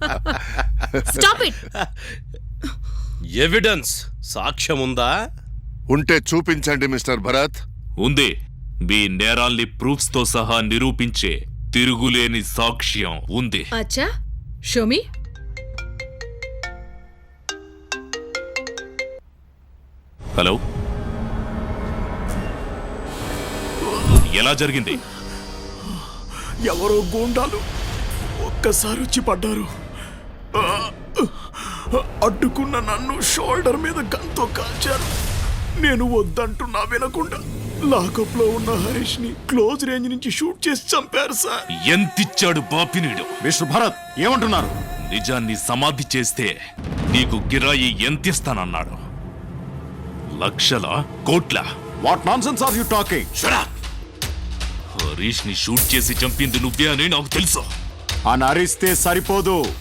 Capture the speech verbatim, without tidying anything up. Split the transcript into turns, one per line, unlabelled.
Stop it.
Evidence సాక్ష్యం ఉందా?
ఉంటే చూపించండి మిస్టర్ భరత్.
ఉంది. మీ నేరాల్ని ప్రూఫ్స్ తో సహా నిరూపించే తిరుగులేని సాక్ష్యం ఉంది.
అచ్చా, షో మీ.
హలో, ఎలా జరిగింది?
ఎవరో గూండాలు ఒక్కసారి వచ్చి పడ్డారు. అడ్డుకున్న నన్ను షోల్డర్ మీద గన్తో కాల్చారు. నేను వద్దంటున్నా వినకుండా లాకప్ లో ఉన్న హరీష్ ని క్లోజ్ రేంజ్ నుంచి షూట్ చేసి చంపారు సార్.
ఎంతిచ్చాడు బాపినీడు?
మిస్టర్ భరత్ ఏమంటున్నారు?
నిజాన్ని సమాధి చేస్తే నీకు గిరాయి ఎంతిస్తానన్నాడు? లక్షల, కోట్ల?
What nonsense are you talking?
Harish ని షూట్ చేసి చంపింది నువ్వే అని నాకు తెలుసు.
అని అరిస్తే సరిపోదు.